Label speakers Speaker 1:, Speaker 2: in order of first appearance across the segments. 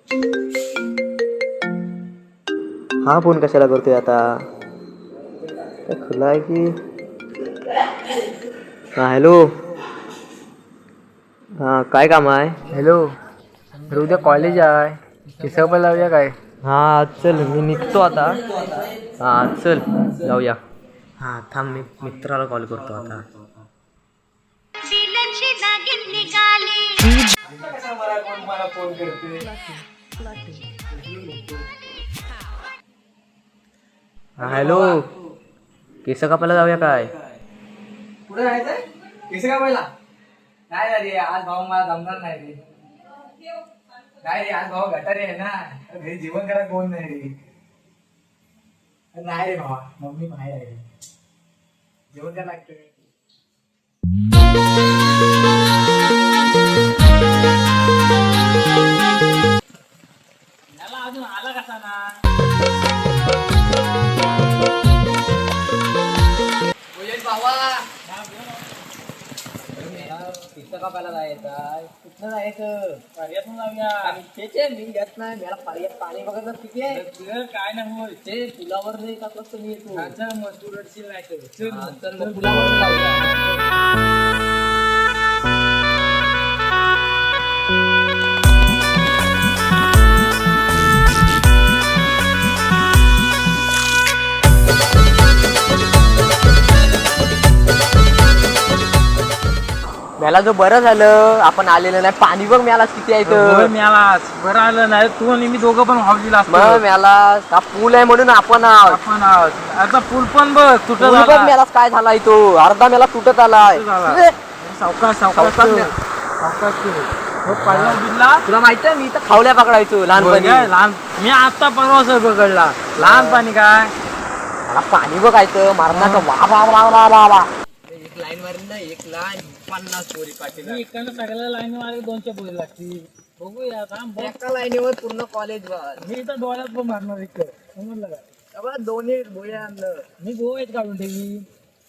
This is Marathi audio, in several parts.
Speaker 1: हा फोन कशाला करतोय आता? काय खुला आहे की? हा हॅलो. हा काय काम आहे?
Speaker 2: हॅलो. अरे उद्या कॉलेज आहे. केसं पण लावूया काय?
Speaker 1: हा चल मी निघतो आता. हा चल जाऊया. हा थांब मी मित्राला कॉल करतो आता. हा हॅलो. केस कापायला जाऊया काय?
Speaker 2: कुठे जायचंय? केस कापायला? नाही रे आज भाऊ मला जमणार नाही रे. नाही रे आज भाऊ गटारी आहे ना. घरी जेवण करायला कोण नाही रे. नाही रे भावा मम्मी बाहेर आहे. जेवण करायला लागतं. याला अजून आला कसा ना? भावा पिक्चर कापायला जायचं. कुठं जायचं? पर्यातून जाऊया. ते मी घेत नाही. मला पर्यात पाणी बघत किती आहे. काय नाही होय ते पुलावर नाही का कसं मी येतो. मग तू रडशील नाही तर मग पुलावर जाऊया.
Speaker 1: मला जो बरं झालं आपण आलेलं नाही. पाणी बघ मला किती आहे इथं.
Speaker 2: मिळालाच बरं आलं नाही तू आणि मी दोघं पण हॉबीला
Speaker 1: मग मला हा पूल आहे म्हणून आपण आहोत.
Speaker 2: आपण आता पूल पण बघ तुटत
Speaker 1: पूल बघ मला काय झालाय तो अर्धा मला तुटत आलाय.
Speaker 2: सावकाश
Speaker 1: सावकाश तुला माहितीये मी तर खावल्या पकडायचो लहानपणी.
Speaker 2: लहान मी आता परवाच पकडला लहानपणी काय
Speaker 1: मला पाणी बघायचं मारण्याचं वा वा वा वा वा वा. एक लाईन मारून ना एक लाईन 50 पोरी पाटील.
Speaker 2: इकडनं सगळ्या लाईन मारे 200 पोरी लागतील. बघूया थांब
Speaker 1: एका लाईनीवर पूर्ण कॉलेज वर.
Speaker 2: मी तर डोळ्यात पण मारणार इकडं समजलं का?
Speaker 1: दोन्ही भोये आणलं
Speaker 2: मी गोव्यात काढून ठेवी.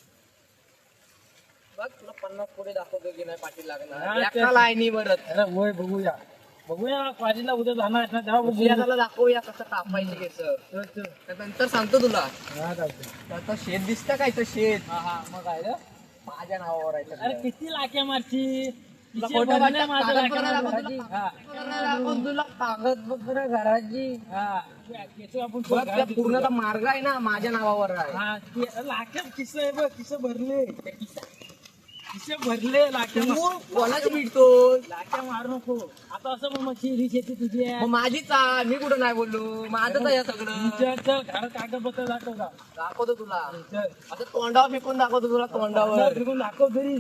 Speaker 1: बघ तुला 50 पोरी दाखवतो की नाही पाटील
Speaker 2: हा,
Speaker 1: लागणार
Speaker 2: ते-
Speaker 1: एका लाईनीवर.
Speaker 2: अरे होय बघूया कॉलेजला उद्या जाणार आहेत ना तेव्हा बघूया.
Speaker 1: त्याला दाखवूया कसं कापायचे केस. नंतर सांगतो तुला.
Speaker 2: हा, चालतंय.
Speaker 1: आता शेत दिसतं काय तर शेत
Speaker 2: मग काय रे?
Speaker 1: माझ्या नावावर आहे
Speaker 2: अरे किती लाख्या मारची
Speaker 1: तुला फोटो
Speaker 2: भरले
Speaker 1: पाठव,
Speaker 2: माझं
Speaker 1: कागद
Speaker 2: लाख्या
Speaker 1: बघायला
Speaker 2: मारची.
Speaker 1: दाखव
Speaker 2: हा.
Speaker 1: दाखवून तुला कागदपत्र घराची.
Speaker 2: हा. केसं आपण
Speaker 1: बघ त्या पूर्ण मार्ग आहे ना माझ्या नावावर आहे.
Speaker 2: हा, लाख्या किस्से आहे बघ किस्से भरले किस्से भरले लाख्या
Speaker 1: तू कोणाच मिळतो
Speaker 2: लाख्या मारू नको आता असं मग ही शेती तुझी आहे.
Speaker 1: मग माझीच आहे. मी कुठं नाही बोललो माझंच आहे सगळं.
Speaker 2: चल घर कागदपत्र दाखव का
Speaker 1: दाखवतो तुला
Speaker 2: चल
Speaker 1: आता तोंडावर फेकून दाखवतो तुला तोंडावर.
Speaker 2: फिरून दाखव तरी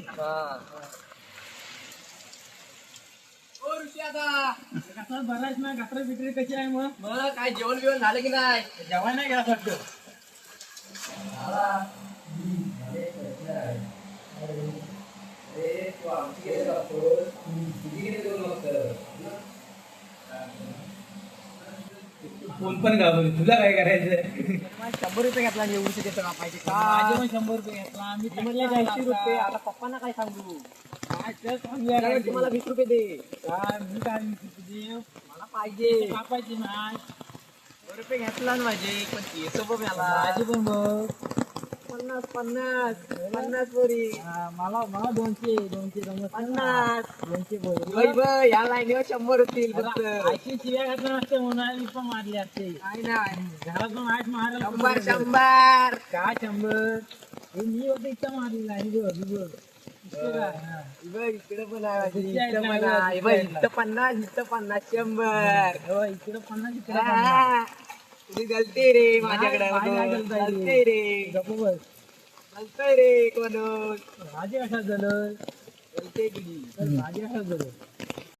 Speaker 2: कसं भरायच ना गटर बिटरी कशी आहे मग
Speaker 1: काय जेवण बिवण झालं की नाही?
Speaker 2: जेवाय नाही गेला वाटतं. फोन पण घालून तुला काय करायचं?
Speaker 1: 100 रुपये घेतला आणि एवढी केस कापायचे
Speaker 2: माझे
Speaker 1: का?
Speaker 2: पण 100 रुपये घेतला मी
Speaker 1: म्हटलं 80 रुपये. आता पप्पांना काय सांगू?
Speaker 2: काय तर सांगूया काय ते.
Speaker 1: मला 20 रुपये दे.
Speaker 2: काय मी काय म्हणतो तुझे
Speaker 1: मला पाहिजे.
Speaker 2: कापायची नाही
Speaker 1: 100 रुपये घेतला ना माझे पण केस बघ मला.
Speaker 2: माझी पण बघ
Speaker 1: 50 50 पोरी.
Speaker 2: मला 200 जमत
Speaker 1: 50
Speaker 2: 200 बोल
Speaker 1: वै वै, या लाईनीवर 100 होतील फक्त.
Speaker 2: ऐशी शिव्या घातल्या नसते म्हणून मी पण मारली असते
Speaker 1: नाही नाही
Speaker 2: घरातून आठ मारला
Speaker 1: 100
Speaker 2: काय 100 हे मी होतं इथं मारली नाही बघ इतकं काय? हा.
Speaker 1: बघ इकडे पण आहे माझी. इथं पण आहे. बघ इथं 50 इथं 50 100.
Speaker 2: हो, इकडं 50 इकडं 50.
Speaker 1: हा. तुझी गलती रे माझ्याकडे
Speaker 2: नाही, नाही गलती आहे.
Speaker 1: गलती रे
Speaker 2: गप्प बस.
Speaker 1: गलती रे कोण
Speaker 2: माझे कशात झालं
Speaker 1: गलती तुझी.
Speaker 2: माझे कशात झालं